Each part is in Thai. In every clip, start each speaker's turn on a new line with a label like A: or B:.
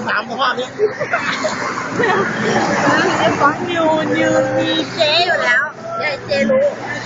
A: 13สภาพนี้
B: ไอ้ฟองนิวมีเจ๊อยู่แล้วยายเจ๊รู้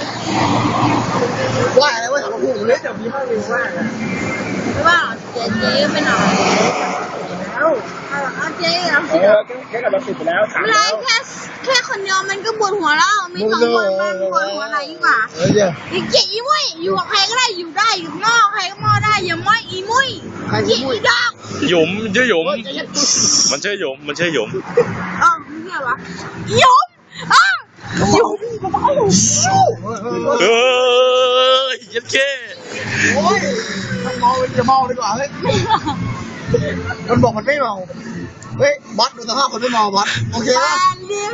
A: ว่าอะไรว่าถังพูดเลยจะมีมากเลยว่า
B: ว่าเจ๊ไปหน่อยแล้วเอาเจ๊เอาสิ
A: แค่กับเราติดไปแล้วถาม
B: อะไรแค่คนเดียวมันก็ปวดหัวแล้วมี2 คนมันปวดหัวอะไรยิ่งกว่าอีเจ๊อีมุ้ยอยู่กับใครก็ได้อยู่ได้อยู่นอกใครก็มอได้อย่าม้อยอีมุ้ยเจ๊อีดอก
C: หยุมชื่อหยุมมันชื่อหยุมมันชื่อหยุม
B: อ๋อไม่ใช่วะหยุมอ๋อหยุม
C: ยัดเค้
A: โอ้ยมันเมาจะเมาดีกว่าเฮ้ยมันบอกมันไม่เมาเฮ้ยบัสดูสภาพคนไม่เมาบัสโอเคป่ะ
B: เรียก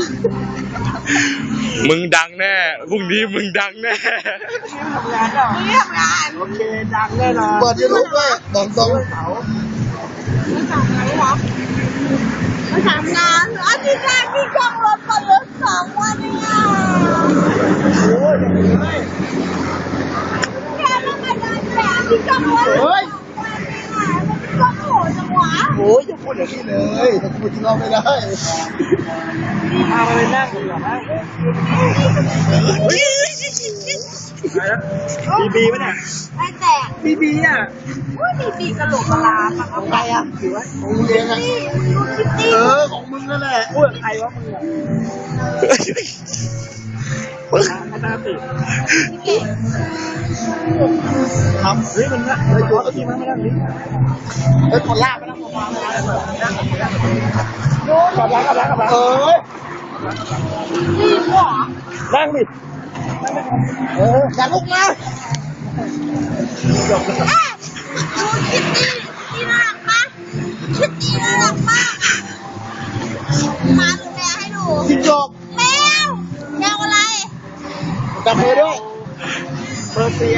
C: มึงดังแน่พรุ่งนี้มึงดังแน่
B: เรียกงาน
A: โอเคดังแน่นอนเปิดยูทูบด้วยบอกตรงเขา
B: มาทำงานหรอมาทำงานอาทิตย์แรกที่จ้องรถก่อนรถ2 วันเนี่ย
A: โอ้ยไม่
B: แค่ต้องมาเดินแบบที่จ้องรถ
A: เฮ้ย
B: ก็โหดจังหวะ
A: โอ้ยอย่าพูดอย่างนี้เลยจะพูดที่เราไม่ได้มาเลยนั่งดีกว่านะบีป่ะเนี่ย
B: ไอ้แตก
A: บีอ่ะ
B: ว่าบีกระโหลกกระลาปะ
A: ของใครอ่ะถือว่าของมึงเองอ่ะของมึงนั่นแหละอ้วนใครวะมึงอ่ะไม่น่าติดครับเฮ้ยมันนะเฮ้ยตัวก็ทีมันไม่ได้นี่เฮ้ยคนลากไปนะคนลากไปนะโน้ตกับล้าง
B: นี่หัว
A: นั่งดิอย่าลุกนะ
B: ดูคิตตี้ที่น่ารักมากคิตตี้น่ารักมากมาดูแมวให้ดู
A: จิ้งจก
B: แมวอะไร
A: จับมือด้วยเปอร์เซีย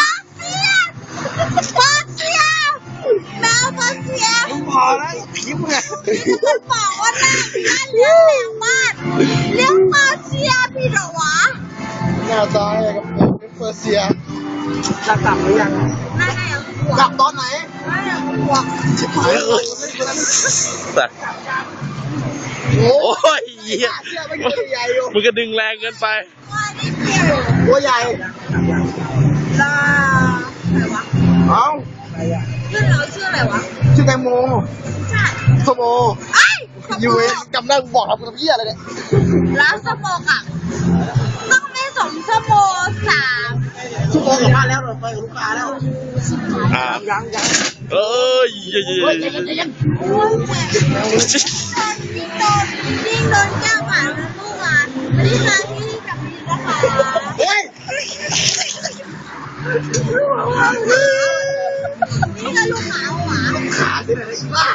B: แมวเปอร์เซีย
A: มึงพอแล้วคิ้วไง
B: มันบอกว่าน่าเลี้ยงแมวบ้านเลี้ยงเปอร์เซียพี่เหรอวะ
A: หน้าตายกับเปอร์เซียจะกลับหรือยัง
B: น่าจะยัง
A: กลับตอนไหน
B: น่าจะยังกลัว
A: ชิบหาย
C: แต่โอ้ยมึงก็ดึงแรงเกินไป
A: ตัวใหญ่
B: ลาอะไรวะ
A: เอ้า
B: ชื่ออะไรวะ
A: ชื่อแตงโม
B: ใช่
A: สโมยูเอจำได้บอกเราเป็นเพี้ยอะไรเนี่ย
B: แล้วสโมกอ่ะต้องไม่สมสโม3
A: ชั่วโมงกับบ้านแล้วเราไปกับลูกค้าแล้วยัง
C: เอ้ย
A: ใจเย็น
B: โอ้ยแม่ยิ่งโดนแก้วผ่านแล้วลูกอ่ะไม่ได้มาที่กับพี่นะคะ
A: เฮ้ย
B: นี่ก็ลูกหมาหวา
A: ขาที่ไหนบ้า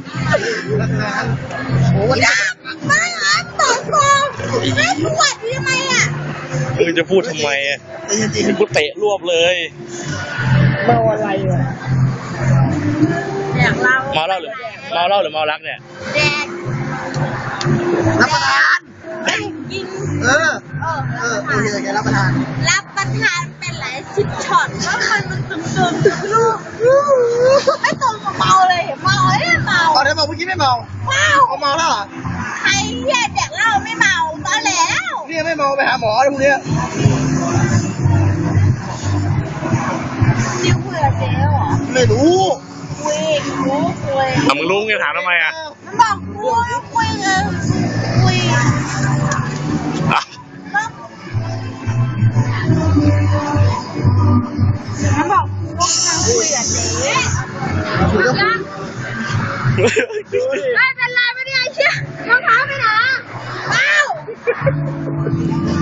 A: โอ้ย
B: ไม่ต่อไม่ปวดทำไมอ่ะ
C: มึงจะพูดทำไมอ่ะกูเตะรวบเลย
A: เมาอะไรอ่ะ
B: แดกเหล้า
C: เมาเหล้าหรือเมารักเนี่ย
B: แดก
A: รับประทาน
B: กิน
A: โอเคแกรับประทาน
B: เป็นหลาย10 ช็อตแล้วมันตึงไม่ตรงกับเมาเลยเมาไม่เมา
A: ตอนนี้บอกเมื่อกี้ไม่เมาเขาเมาแล้ว
B: ใครเหี้ยแดกเหล้าไม่เมาตอนแล้ว
A: นี่ไม่เมาไปหาหมอเลยพวกนี้
B: ดิวคุยกับเจ๊เหรอ
A: ไม่รู้
B: คุย
C: มึงรู้ไงถามทำไมอ่ะ
B: มันบอกคุยมันบอกว่านั่งคุยกับเจ๊ไม่เป็นไรไม่ได้เชี่ยรองเท้าไปไหนเอ้า